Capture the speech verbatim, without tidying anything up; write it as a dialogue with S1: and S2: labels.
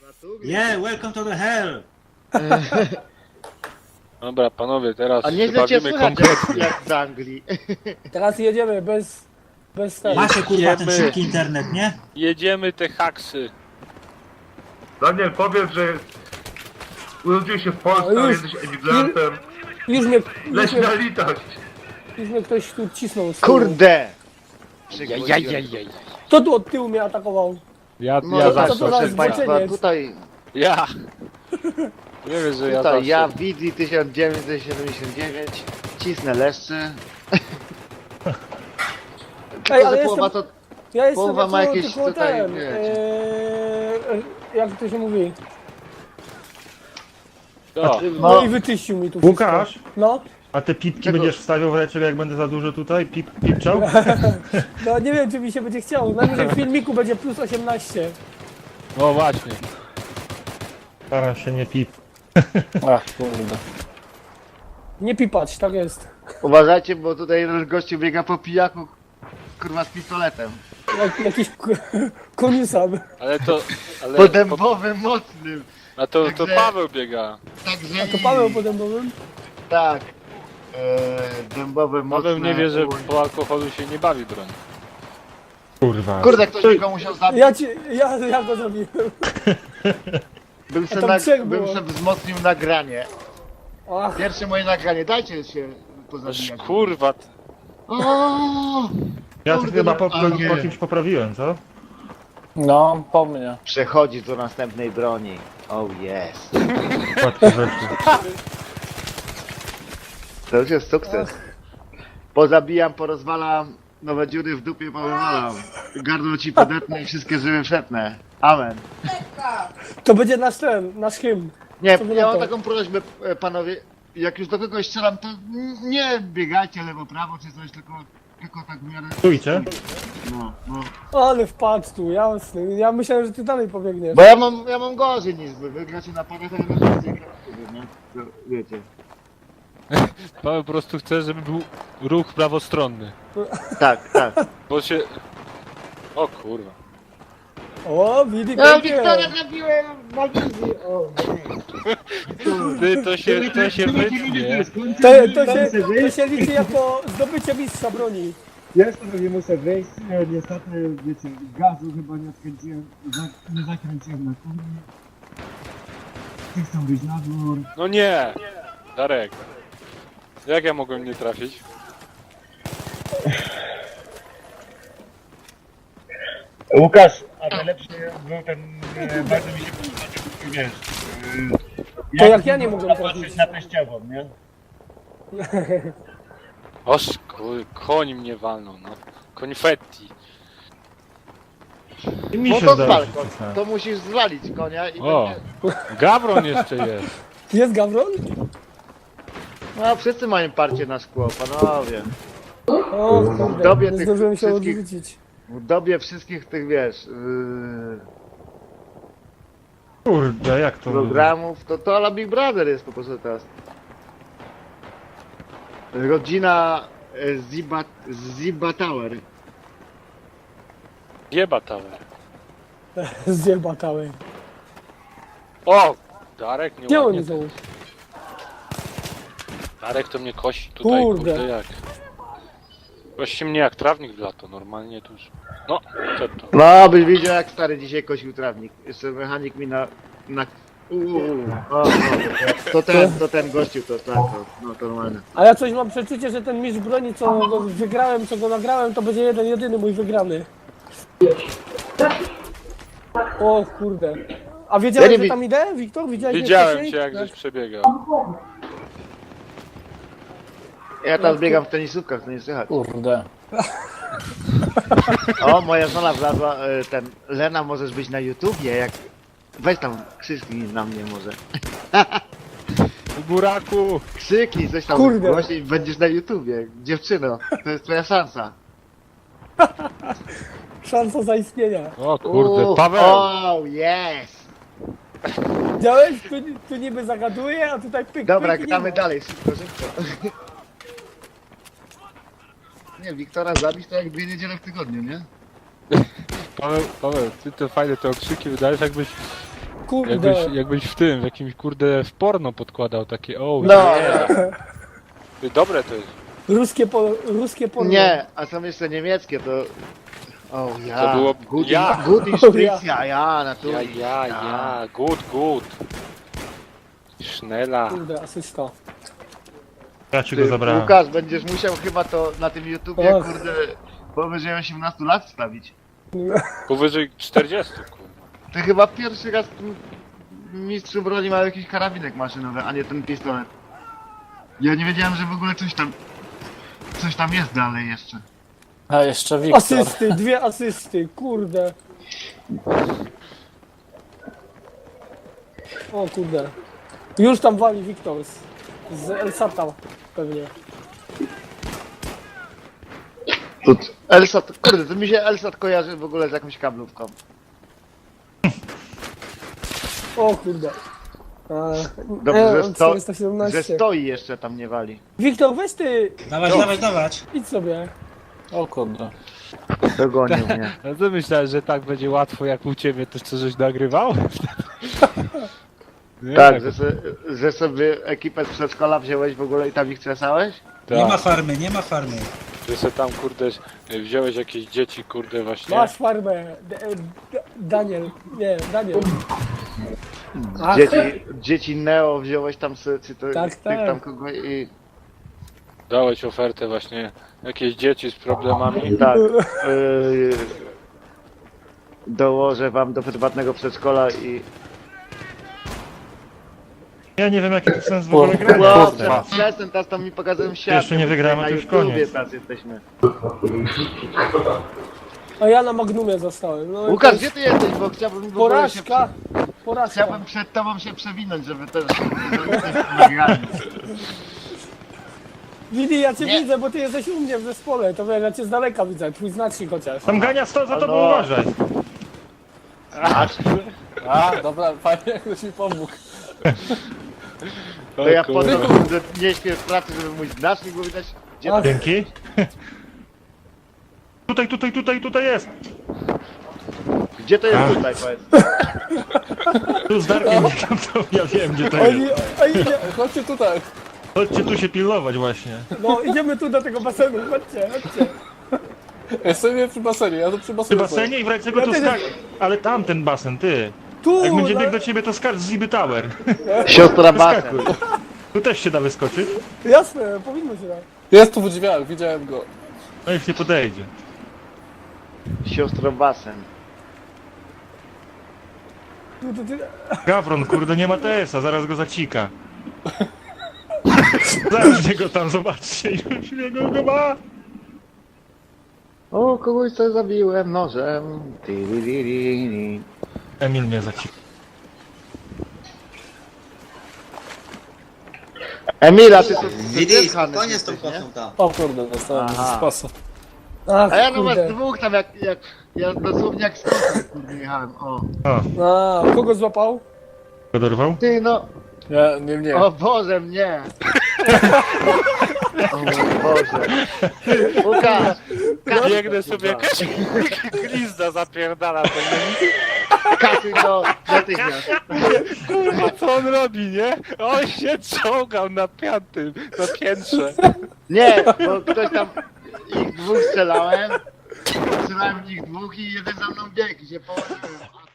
S1: Yeah, welcome to the hell!
S2: Dobra, panowie, teraz
S3: A nie
S2: się
S3: chcecie
S2: bawimy
S3: słychać
S2: konkretnie.
S3: jak z Anglii.
S4: Teraz jedziemy bez... bez tego.
S1: Macie kurwa ten
S2: Jedziemy.
S1: szybki internet, nie?
S2: Jedziemy te haksy.
S5: Daniel, powiedz, że urodziłeś się w Polsce,
S4: No
S5: a
S4: już-
S5: jesteś emigrantem.
S4: Już mnie, już
S5: Leć
S4: mnie,
S5: na litość.
S4: już mnie ktoś tu cisnął z tyłu.
S3: Kurde!
S2: Jajajajaj.
S4: Kto tu od tyłu mnie atakował?
S2: Ja,
S3: No
S2: ja
S3: to
S4: za-
S2: zawsze.
S4: to za
S3: proszę Państwa,
S4: zboczeniec.
S3: tutaj,
S2: Ja. Nie wiesz, że ja
S3: tutaj
S2: zawsze.
S3: ja Widzi tysiąc dziewięćset siedemdziesiąt dziewięć, cisnę leszcze.
S4: Ej, ale
S3: Tylko, że
S4: jestem,
S3: połowa to...
S4: ja jestem
S3: połowa
S4: jako
S3: ma jakieś
S4: tylko
S3: tutaj,
S4: ten,
S3: wiecie.
S4: eee, jak to się mówi?
S2: To.
S4: No,
S3: No.
S4: i wyczyścił mi tu
S6: Łukasz?
S4: wszystko. No,
S6: A te pipki
S3: Czego?
S6: będziesz wstawiał w reczek, jak będę za dużo tutaj? Pip, pipczał?
S4: no nie wiem czy mi się będzie chciało. Najwyżej w filmiku będzie plus osiemnaście.
S2: No właśnie.
S6: Staram się nie pip.
S2: Ach, kurde.
S4: Nie pipać, tak jest.
S3: Uważajcie, bo tutaj jeden gościu biega po pijaku, kurwa z pistoletem.
S4: Jak, jakiś k- koniusam.
S2: Ale to. Ale.
S3: Po dębowym mocnym.
S2: A to, to
S3: Także-
S2: Paweł biega.
S3: Także...
S4: A to Paweł podębowym?
S3: Tak. Eee, dębowe mocne.
S2: Paweł nie wie, że
S3: Uj.
S2: po alkoholu się nie bawi broń.
S6: Kurwa.
S3: Kurde, ktoś mi go musiał zabić.
S4: Ja, ci, ja, ja go zabiłem.
S3: Bym se,
S4: tam
S3: na,
S4: trzech
S3: bym
S4: było.
S3: se wzmocnił nagranie.
S4: Ach,
S3: Pierwsze moje nagranie, dajcie się
S2: Aż
S3: pozabijać.
S2: kurwa. t-
S3: O!
S6: Ja to
S3: Kurde,
S6: chyba po,
S3: no,
S6: po,
S3: nie.
S6: po kimś poprawiłem, co?
S7: No, po mnie.
S3: Przechodzi do następnej broni. Oh yes.
S6: Łatwe rzeczy.
S3: To już jest sukces. Pozabijam, porozwalam, nowe dziury w dupie powywalam. Gardło ci podetnę i wszystkie żyły przetnę. Amen.
S4: to będzie nasz ten, nasz hymn.
S3: Nie,
S4: Co wy
S3: ja
S4: na
S3: mam
S4: to?
S3: taką prośbę, e, panowie. Jak już do kogoś strzelam, to nie biegajcie lewo, prawo czy coś, tylko, tylko tak w miarę...
S6: Stójcie.
S3: No, no.
S4: Ale wpadł tu, jasny. Ja myślałem, że ty dalej pobiegniesz.
S3: Bo ja mam, ja mam gorzej niż wy. Wy gracie na parę, to ja na więcej gram, nie? To wiecie.
S2: Paweł po prostu chce, żeby był ruch prawostronny.
S3: Tak, tak.
S2: Bo się. O kurwa.
S4: O, widzi,
S3: Ja
S4: pięknie.
S3: Wiktora zabiłem na wizji. O,
S2: Ty to się, to się wytnie.
S4: To, to, się, to się liczy jako zdobycie mistrza broni.
S8: Ja sobie muszę wyjść, e, niestety, wiecie, gazu chyba nie odkręciłem, za, nie zakręciłem na kurnie. Ty chcą wyjść na dwór.
S2: No nie! Darek. Jak ja mogłem nie trafić?
S8: Łukasz, a najlepszy był ten, e, bardzo mi się podobał, wiesz, e,
S4: To jak ja nie mogłem trafić.
S8: patrzeć na teściową, nie?
S2: Oż kur, koń mnie walnął, no. Konfetti.
S6: I mi
S3: no
S6: się
S3: to
S6: zdaje,
S3: zwal,
S6: że
S3: koń.
S6: cisnąłem.
S3: To musisz zwalić konia i
S2: O!
S3: będzie...
S2: Gawron jeszcze jest.
S4: Jest Gawron?
S3: No wszyscy mają parcie na szkło, panowie.
S4: O kurde,
S3: Dobie
S4: nie
S3: tych
S4: zdążyłem się
S3: wszystkich-
S4: odwrócić.
S3: W dobie wszystkich tych, wiesz, yy,
S6: Kurde, jak to...
S3: programów, to to ala Big Brother jest po prostu teraz. Rodzina e, Ziba, Ziba Tower.
S2: Jeba tower.
S4: Zjebakały.
S2: O! Darek nie
S4: Gdzie
S2: ładnie.
S4: oni są?
S2: Darek to mnie kosi tutaj,
S4: Kurde.
S2: kurde, jak. Kości mnie jak trawnik w lato, normalnie tu już. No, co to?
S3: No, byś widział jak stary dzisiaj kosił trawnik. Jeszcze mechanik mi na... na... Uuu, o, no, to, to ten, to ten gościu, to tak, to, no to normalne.
S4: A ja coś mam przeczucie, że ten mistrz broni, co go wygrałem, co go nagrałem, to będzie jeden, jedyny mój wygrany. O kurde. A wiedziałeś,
S3: Ja nie
S4: że
S3: wi-
S4: tam idę, Wiktor? Widziałeś mnie
S2: Widziałem
S4: wcześniej?
S2: cię jak
S4: Tak.
S2: żeś przebiegał.
S3: Ja tam biegam w tenisówkach, to nie słychać.
S7: Kurde.
S3: O, moja żona wlazła, e, ten, Lena, możesz być na YouTubie, jak... Weź tam, krzyknij na mnie może.
S2: Buraku!
S3: Krzyknij coś tam,
S4: Kurde.
S3: właśnie będziesz na YouTubie. Dziewczyno, to jest twoja szansa.
S4: Szansa zaistnienia.
S2: O kurde,
S3: Uuu,
S2: Paweł!
S3: O, yes!
S4: Widziałeś? Tu, tu niby zagaduje, a tutaj pyk,
S3: Dobra,
S4: pyk, nie
S3: gramy
S4: ma.
S3: dalej, szybko, szybko. Nie, Wiktora zabić to jak dwie niedziele w tygodniu, nie?
S2: Paweł, Paweł, ty to fajne te okrzyki wydajesz, jakbyś
S4: Kurde.
S2: Jakbyś, jakbyś w tym, w jakimś kurde w porno podkładał takie o
S3: No,
S2: yeah. Ty, dobre to jest.
S4: Ruskie, po, ruskie porno.
S3: nie, a są jeszcze niemieckie, to... O ja,
S2: To było-
S3: good,
S2: ja.
S3: good
S4: O,
S3: Spritz, ja, ja, naturalnie.
S2: Ja, ja, ja, good, good. Schnella.
S4: Kurde, asysta.
S6: Ja ci go
S3: Ty,
S6: zabrałem.
S3: Łukasz, będziesz musiał chyba to na tym YouTubie,
S4: Och.
S3: kurde, powyżej osiemnastu lat wstawić.
S2: Powyżej czterdziestu, kurwa.
S3: Ty chyba pierwszy raz m- mistrzu broni ma jakiś karabinek maszynowy, a nie ten pistolet. Ja nie wiedziałem, że w ogóle coś tam... Coś tam jest dalej jeszcze.
S7: A jeszcze Wiktor.
S4: Asysty, dwie asysty, kurde. O kurde. Już tam wali Wiktor z, z Elsata pewnie.
S3: Tut. Elsat, kurde, to mi się Elsat kojarzy w ogóle z jakąś kablówką.
S4: O kurde.
S3: Dobrze,
S4: E,
S3: że, sto,
S4: czterysta siedemnaście.
S3: że stoi jeszcze tam nie wali.
S4: Wiktor, weź ty,
S1: Dawać, dawać, dawać.
S4: idź sobie.
S7: O kurde.
S3: Dogonił mnie.
S2: No to myślałem, że tak będzie łatwo jak u ciebie, to co żeś nagrywał? Nie,
S3: Tak, że, se, że sobie ekipę z przedszkola wziąłeś w ogóle i tam ich krzesałeś?
S2: tak.
S1: Nie ma farmy, nie ma farmy.
S2: Że se tam kurde wziąłeś jakieś dzieci kurde właśnie.
S4: Masz farmę. D D Daniel, nie, Daniel. Ach,
S3: Dzieci, dzieci Neo wziąłeś tam sy, czy to,
S4: Tak,
S3: tych
S4: tak.
S3: tam kogo i...
S2: Dałeś ofertę właśnie jakieś dzieci z problemami.
S3: Tak. Yy, dołożę wam do prywatnego przedszkola i...
S6: Ja nie wiem jaki to sens w ogóle
S7: Kurde.
S6: grania.
S3: No,
S6: jest teraz.
S3: przestań, teraz tam mi pokazują świat.
S6: Jeszcze nie wygramy,
S3: na
S6: to już
S3: YouTubie
S6: koniec.
S3: teraz jesteśmy.
S4: a ja na Magnumie zostałem. No i
S3: Łukasz,
S4: to
S3: gdzie
S4: jest
S3: ty jesteś, bo chciałbym w ogóle się...
S4: Porażka.
S3: Prze...
S4: Porażka.
S3: Chciałbym przed tobą się przewinąć, żeby też... nagrali.
S4: Widi, ja cię
S3: Nie.
S4: widzę, bo ty jesteś u mnie w zespole. To wiesz, ja cię z daleka widzę, twój znacznik chociaż.
S6: Tam Gania sto za tobą
S3: No.
S6: uważaj.
S7: A, dobra, fajnie, jak ktoś mi pomógł.
S3: To ja
S2: O
S3: po to
S2: kurwa.
S3: że nie śpię w pracy, żeby mój znacznik był widać. Gdzie
S4: Ach.
S3: to?
S6: Dzięki. Tutaj, tutaj, tutaj, tutaj jest.
S3: Gdzie to jest
S6: Ach.
S3: tutaj, powiedz?
S6: Tu z Darkiem biegam, to ja wiem gdzie to
S4: Oni,
S6: jest.
S4: ej, nie,
S7: Chodźcie tutaj.
S6: Chodźcie tu się pilnować właśnie.
S4: no idziemy tu do tego basenu, chodźcie, chodźcie.
S7: Jestem nie przy basenie, ja tu przy
S6: Przy
S7: basenie.
S6: basenie i w razie czego tu
S4: Ja też-
S6: skacz. Ale tam ten basen, ty.
S4: Tu,
S6: Jak będzie
S4: na-
S6: biegł do ciebie to skacz z Ziby Tower.
S3: Siostra basen.
S6: Wyskakuj. Tu też się da wyskoczyć.
S4: Jasne, powinno się dać.
S7: Jest tu w drzwiach, widziałem go.
S6: No już nie podejdzie.
S3: Siostro basen.
S4: Tu, tu, tu.
S6: Gawron, kurde, nie ma T S a, zaraz go zacika. Zaraz go tam, zobaczcie, już jego go ma.
S3: O, kogoś co zabiłem nożem. Ti-ri-ri-ri-ri.
S6: Emil mnie zacika.
S3: Emila, ty to...
S9: Widzi, spokojnie z tą kosą tam.
S7: O kurde, dostałem
S3: Aha.
S7: z pasa.
S4: Ach,
S3: A ja no was
S4: kurde.
S3: dwóch tam jak... jak ja dosłownie jak skąd kurde jechałem. O.
S6: O,
S4: A, kogo złapał?
S6: go dorwał?
S3: Ty no...
S7: Nie, nie mnie.
S3: O Boże, mnie! O mój Boże. Łukasz! Kasuj
S2: Biegnę
S3: to,
S2: sobie
S3: kurwa.
S2: jakaś glizda zapierdala pewnie.
S3: Kasuj to natychmiast.
S2: Kurwa co on robi, nie? On się czołgał na piątym, na piętrze.
S3: Nie, bo ktoś tam... Ich dwóch strzelałem. Strzelałem w nich dwóch i jeden za mną biegł i się położyłem.